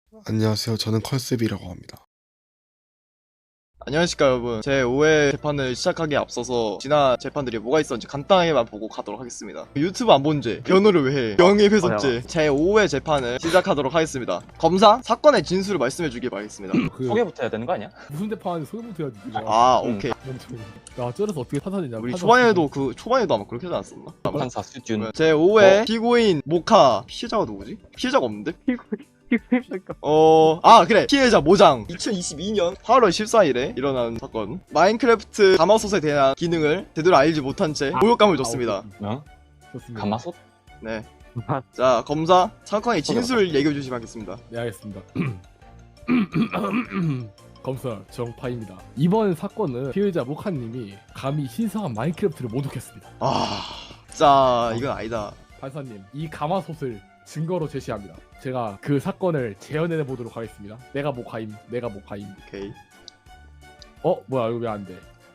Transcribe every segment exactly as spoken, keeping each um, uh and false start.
안녕하세요. 저는 컨셉이라고 합니다. 안녕하십니까 여러분. 제오 회 재판을 시작하기에 앞서서 지난 재판들이 뭐가 있었는지 간단하게만 보고 가도록 하겠습니다. 유튜브 안 본 죄, 변호를 왜 해, 명예훼손죄. 제오 회 재판을 시작하도록 하겠습니다. 검사, 사건의 진술을 말씀해 주길 바라겠습니다. 그 소개부터 해야 되는 거 아니야? 무슨 대파하는지 소개부터 해야지. 네가. 아 음. 오케이. 멍청이. 야 쩔어서 어떻게 판단했냐. 우리 판단 초반에도 그 초반에도 아마 그렇게 하지 않았었나? 판사 수준. 제오 회 피고인 모카. 피해자가 누구지? 피해자가 없는데? 어, 아, 그래. 피해자 모장. 이천이십이 년 팔월 십사일에 일어난 사건. 마인크래프트 가마솥에 대한 기능을 제대로 알지 못한 채 모욕감을 줬습니다. 아, 오케이. 어? 좋습니다. 가마솥? 네. 자, 검사, 사건의 진술 얘기해 주시면 하겠습니다. 네 알겠습니다. 검사 정파입니다. 이번 사건은 피해자 모카님이 감히 신성한 마인크래프트를 모독했습니다. 아, 자, 이건 아니다. 판사님, 이 가마솥을 증거로 제시합니다. 제가 그 사건을 재현해 보도록 하겠습니다. 내가 모카임, 내가 모카임. 오케이. 어, 뭐야 이거 왜 안 돼?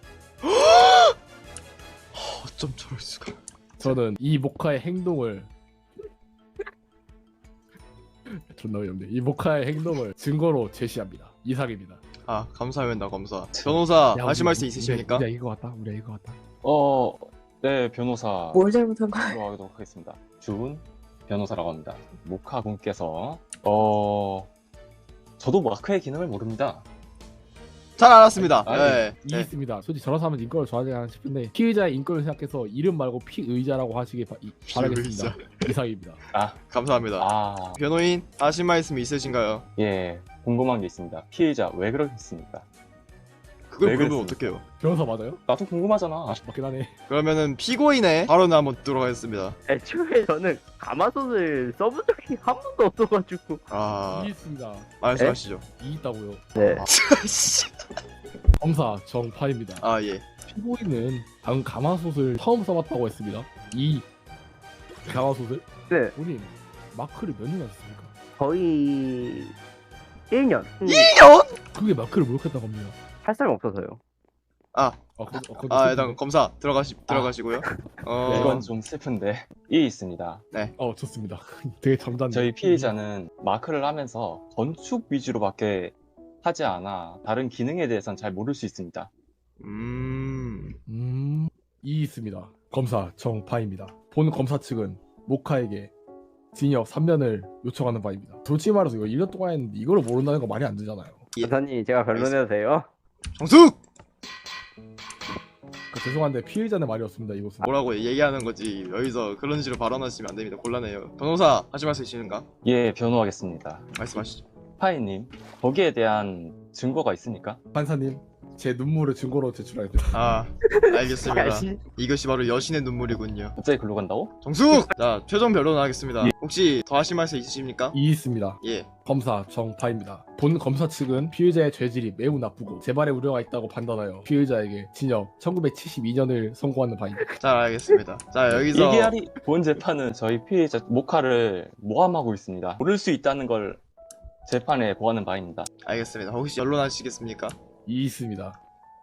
어쩜 저럴 수가. 저는 이 모카의 행동을 존나 어이없네. 이 모카의 행동을 증거로 제시합니다. 이상입니다. 아, 감사합니다, 검사. 변호사, 야, 하실 우리- 말씀 우리- 있으십니까? 우리가 이거 같다. 우리가 이거 같다. 어, 네, 변호사 뭘 잘못한 거야? 들어가도록 하겠습니다. 주은 변호사라고 합니다. 모카 분께서 어, 저도 마크의 기능을 모릅니다. 잘 알았습니다. 아니, 네. 이 네. 있습니다. 솔직히 저런 사람은 인권을 좋아하지 않나 싶은데 피의자의 인권을 생각해서 이름 말고 피의자라고 하시길 바, 이, 바라겠습니다. 이상입니다. 아, 감사합니다. 아, 변호인, 하실 말씀 있으신가요? 예, 궁금한 게 있습니다. 피해자 왜 그러셨습니까? 그걸 왜 물으면 그랬습니까? 어떡해요? 변호사 맞아요? 나도 궁금하잖아. 맞긴 하네. 그러면은 피고인의 발언을 한번 듣도록 하겠습니다. 애초에 저는 가마솥을 써본 적이 한 번도 없어가지고. 아, 이 있습니다. 말씀하시죠. 이 있다고요. 네. 검사 정파입니다. 아, 예. 피고인은 방금 가마솥을 처음 써봤다고 했습니다. 이 가마솥을 네. 본인 마크를 몇 년 하셨습니까? 거의 일 년. 음, 그게 마크를 모욕했다고 합니다. 할 사람 없어서요. 아, 아, 그, 어, 아, 일단 검사 들어가시 들어가시고요. 어, 이건 좀 슬픈데 이 있습니다. 어 좋습니다. 되게 잠잠. 저희 피해자는 마크를 하면서 건축 위주로밖에 하지 않아 다른 기능에 대해서는 잘 모를 수 있습니다. 음, 음, 이 있습니다. 검사 정파입니다. 본 검사 측은 모카에게 징역 삼 년을 요청하는 바입니다. 솔직히 말해서 이거 일 년 동안 했는데 이거를 모른다는 거 말이 안 되잖아요. 예. 변사님 제가 변론해도 돼요? 정숙 그, 죄송한데 피해자는 말이 없습니다. 이것은. 뭐라고 얘기하는 거지. 여기서 그런 식으로 발언하시면 안 됩니다. 곤란해요. 변호사 하실 말씀 있으신가? 예, 변호하겠습니다. 말씀하시죠. 파이님, 거기에 대한 증거가 있습니까? 판사님, 제 눈물을 증거로 제출하겠습니다. 아, 알겠습니다. 야시. 이것이 바로 여신의 눈물이군요. 갑자기 글로 간다고? 정숙! 자, 최종 변론 하겠습니다. 혹시 더 하실 말씀 있으십니까? 이 있습니다. 예. 검사 정파입니다. 본 검사 측은 피의자의 죄질이 매우 나쁘고 재발의 우려가 있다고 판단하여 피의자에게 징역 천구백칠십이 년을 선고하는 바입니다. 잘 알겠습니다. 자, 여기서 이게아리 본 재판은 저희 피해자 모카를 모함하고 있습니다. 모를 수 있다는 걸 재판에 보하는 바입니다. 알겠습니다. 혹시 변론하시겠습니까? 이 있습니다.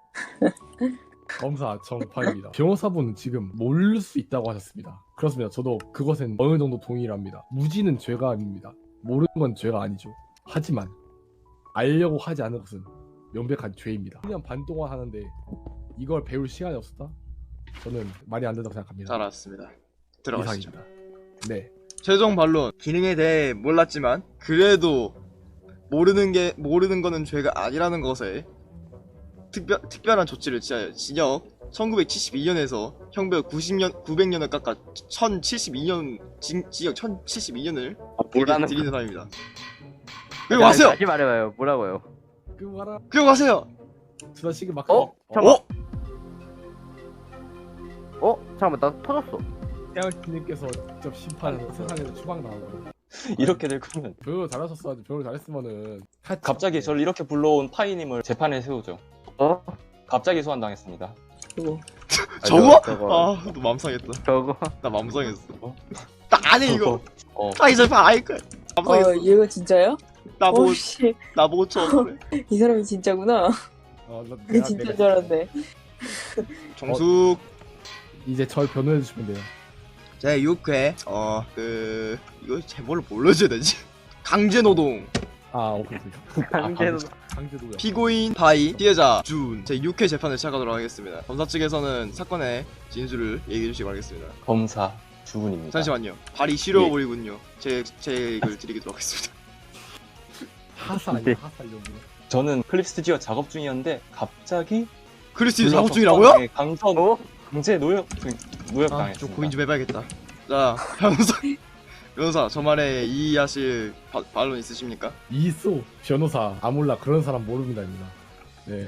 검사 정파입니다. 변호사분은 지금 모를 수 있다고 하셨습니다. 그렇습니다. 저도 그것은 어느 정도 동의를 합니다. 무지는 죄가 아닙니다. 모르는 건 죄가 아니죠. 하지만 알려고 하지 않은 것은 명백한 죄입니다. 일 년 반 동안 하는데 이걸 배울 시간이 없었다? 저는 말이 안 된다고 생각합니다. 잘 알았습니다. 들어가시죠. 이상입니다. 네. 최종 반론. 기능에 대해 몰랐지만 그래도 모르는 게 모르는 거는 죄가 아니라는 것에 특별 특별한 조치를 취하여 징역 천구백칠십이 년에서 형벌 구십 년 구백 년을 깎아 천칠십이 년 징, 징역 천칠십이 년을 뭐라는 드리는 사람입니다. 그리고 가세요. 다시 말해봐요. 뭐라고요? 그거 봐라. 그리고 가세요. 주다시기 막. 어? 잠깐만. 어? 어? 잠깐만 나 터졌어. 태양님께서 직접 심판해서 세상에서 추방 나온 거예요. 이렇게 될 거면 별로 잘하셨어야지. 별로 잘했으면은 갑자기 저를 이렇게 불러온 파이님을 재판에 세우죠. 어? 갑자기 소환당했습니다. 그거. 저거? 저거. 아, 너 맘상했다. 저거. 나 맘상했어. 어? 나 아니 이거. 어, 아 이제 봐알 거야. 어, 맘상했어. 얘가 진짜야? 나보고 오씨, 나보고 처음. 이 사람이 진짜구나. 어, 나- 이게 내가- 진짜 내가- 줄 알았네. 정숙. 이제 절 변호해 주시면 돼요. 제 육 회 어 그 이거 제목을 뭘로 줘야 되지? 강제노동 아 오케이 오케이. 강제로 강제도요. 피고인 바이, 피해자 준. 제육 회 재판을 시작하도록 하겠습니다. 검사 측에서는 사건의 진술을 얘기해 주시기 바라겠습니다. 검사 주은입니다. 잠시만요. 발이 시려워 예. 보이군요. 제, 제 얘기를 드리도록 하겠습니다. 하사 아니야 네. 하사 여기. 저는 클립 스튜디오 작업 중이었는데 갑자기 크리스티 작업 불러서 중이라고요? 수방에 강선 어? 강제 노역 노역 아, 당했습니다. 좀 고민 좀 해봐야겠다. 자, 변호사. 변호사, 저만의 이의하실 바, 반론 있으십니까? 이소 변호사 아몰라 그런 사람 모릅니다입니다. 네.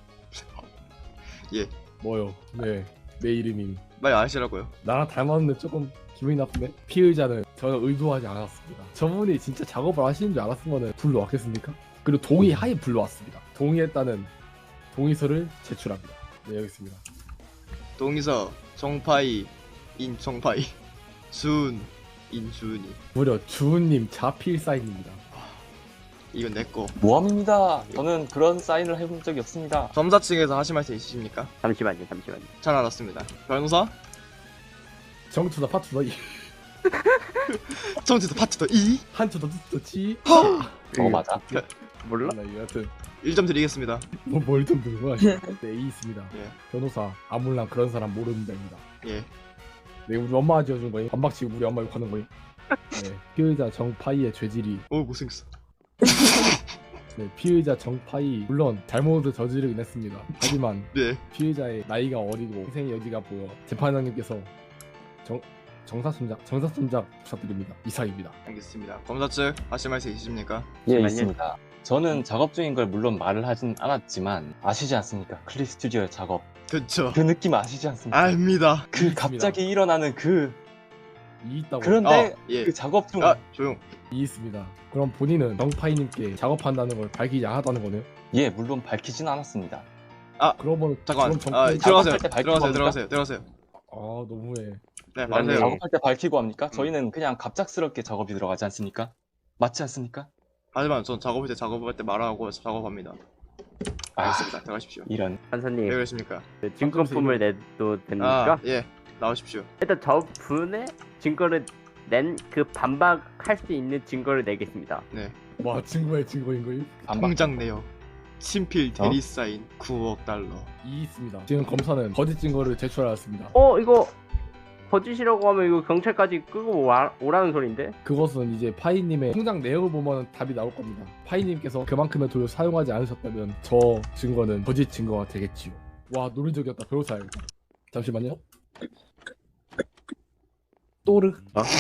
예. 뭐요? 네. 내 이름이 빨리 아시라고요. 나랑 닮았는데 조금 기분이 나쁘네. 피의자는 저는 의도하지 않았습니다. 저분이 진짜 작업을 하시는 줄 알았으면 불러왔겠습니까? 그리고 동의하에 불러왔습니다. 동의했다는 동의서를 제출합니다. 네 여기 있습니다. 동의서 정파이 인정파이 준 인준이. 무려 주은님 자필 사인입니다. 이건 내꺼. 모함입니다. 저는 그런 사인을 해본 적이 없습니다. 검사 측에서 하실 말씀 있으십니까? 잠시만요 잠시만요. 잘 알았습니다. 변호사? 정투더 파투더 이 청취자 파트 더 이. 한투더 투더 치. 어 맞아. 몰라? 몰라 여하튼 일 점 드리겠습니다. 뭐뭘좀 드는 거야. 네 이 있습니다. 예. 변호사 아몰랑 그런 사람 모릅니다입니다. 예. 네 우리 엄마가 지어준 거임. 반박치고 우리 엄마 욕하는 거임. 네 피의자 정파이의 죄질이 오, 못생겼어. 네, 피의자 정파이 물론 잘못을 저지르긴 했습니다. 하지만 네. 피의자의 나이가 어리고 희생의 여지가 보여 재판장님께서 정 정사순작 정사순작 부탁드립니다. 이상입니다. 알겠습니다. 검사 측 하실 말씀 있으십니까? 예 잠시만요. 있습니다. 저는 작업 중인 걸 물론 말을 하진 않았지만 아시지 않습니까? 클립 스튜디오의 작업 그쵸. 그 느낌 아시지 않습니까? 압니다. 그 있습니다. 갑자기 일어나는 그 이 있다고. 그런데 어, 예. 그 작업 중 아, 조용. 이 있습니다. 그럼 본인은 정파이님께 작업한다는 걸 밝히지 않았다는 거네요? 예 물론 밝히진 않았습니다. 그러면 잠깐만. 그럼 아, 정파이 들어가세요. 작업할 때 밝히고 들어가세요. 합니까? 들어가세요. 들어가세요. 아 너무해. 네, 네. 말하세요. 작업할 때 밝히고 합니까? 저희는 그냥 갑작스럽게 작업이 들어가지 않습니까? 맞지 않습니까? 하지만 전 작업할 때 작업할 때 말하고 작업합니다. 아 알겠습니다. 들어가십시오. 이런 판사님 왜 그러십니까? 그 증거품을 내도 됩니까? 아, 예. 나오십시오. 일단 저분의 증거를 낸 그 반박할 수 있는 증거를 내겠습니다. 네. 와 증거의 증거인 거임? 반박. 통장 내역. 친필 대리 사인 구억 달러. 이 있습니다. 지금 검사는 거짓 증거를 제출하였습니다. 어 이거 거짓이라고 하면 이거 경찰까지 끄고 와, 오라는 소린데? 그것은 이제 파이님의 통장 내역을 보면 답이 나올 겁니다. 파이님께서 그만큼의 돈을 사용하지 않으셨다면 저 증거는 거짓 증거가 되겠지요. 와 논리적이었다. 변호사야겠다. 잠시만요. 또르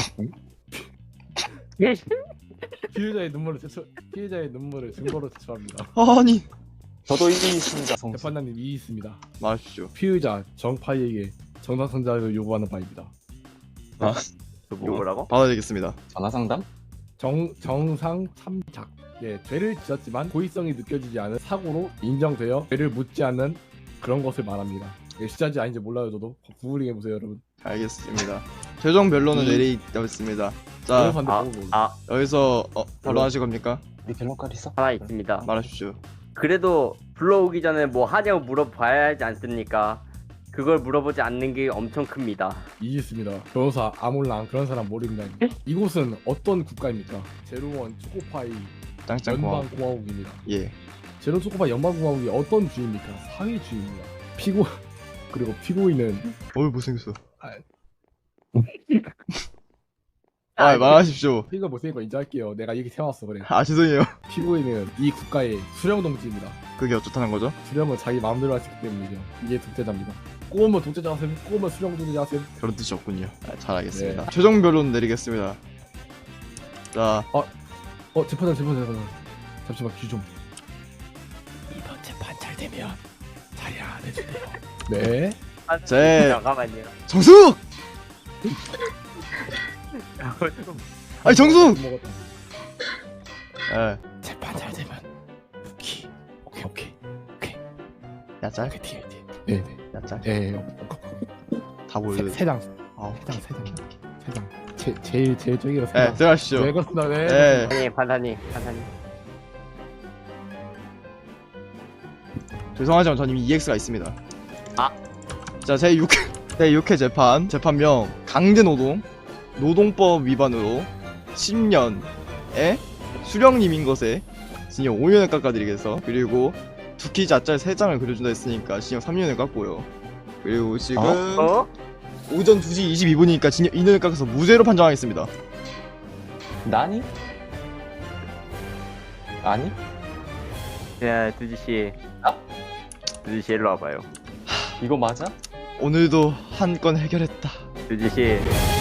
예. 피해자의 눈물을 제출 피해자의 눈물을 증거로 제출합니다. 아니. 저도 이 있습니다. 성수. 재판장님 이 있습니다. 말하십시오. 피의자 정파이에게 정상선자를 요구하는 바입니다. 그 뭐라고? 받아드리겠습니다. 전화 상담? 정 정상 참작. 예, 죄를 지었지만 고의성이 느껴지지 않은 사고로 인정되어 죄를 묻지 않는 그런 것을 말합니다. 예, 시자지 아닌지 몰라요, 저도. 구글링 해보세요, 여러분. 알겠습니다. 최종 변론은 내리겠습니다. 자, 변호사인데 아, 보고 아 여기서 어, 변론하실 겁니까? 우리 변론까지 있어? 하나 있습니다. 말하십시오. 그래도 불러오기 전에 뭐 하냐고 물어봐야 하지 않습니까? 그걸 물어보지 않는 게 엄청 큽니다. 이 있습니다. 변호사 아몰랑 그런 사람 모릅니다. 이곳은 어떤 국가입니까? 제로원 초코파이 짱짱공항. 연방공화국입니다. 예. 제로 초코파이 연방공화국이 어떤 주입니까? 사회주의입니다. 피고 그리고 피고인은 어이 못생겼어. 아. 아, 말하십시오. 피가 못생긴 인정할게요. 내가 얘기 세웠어 그래. 아, 죄송해요. 피고인은 이 국가의 수령동지입니다. 그게 어쩌다는 거죠? 수령은 자기 마음대로 할 수 있기 때문이죠. 이게 독재자입니다. 꼬우면 독재자 하셈, 꼬우면 수령동지자 하셈. 그런 뜻이 없군요. 아, 잘 알겠습니다. 네. 최종 변론 내리겠습니다. 자, 어 재판장 재판장 재판장. 잠시만 귀 좀. 이번 재판 잘 되면 자리 안 해주세요. 네. 아, 제- 잠깐만요. 정숙! 아니, 정숙! 먹었다. 예. 재판 잘 되면 키. 오케이 오케이 오케이. 야짤? 오케이 뒤에 뒤에. 네네. 야짤? 예. 다 보여. 세, 세 장. 아우. 세 장 세 장. 세 장. 제 제일 제일 저기가 세 예, 장. 들어가시죠. 네 그렇습니다. 네. 예. 아니 판사님, 판사님. 죄송하지만 전 이미 이엑스가 있습니다. 아. 자, 제육 제육 회 재판 재판명 강제노동 노동법 위반으로 십 년의 수령님인 것에 징역 오 년을 깎아드리겠어. 그리고 두키 자짤 세 장을 그려준다 했으니까 징역 삼 년을 깎고요. 그리고 지금 어? 오전 두 시 이십이 분이니까 징역 이 년을 깎아서 무죄로 판정하겠습니다. 나니? 아니? 야, 두지 씨. 아? 두지 씨 일로 와봐요. 이거 맞아? 오늘도 한 건 해결했다. 두지 씨.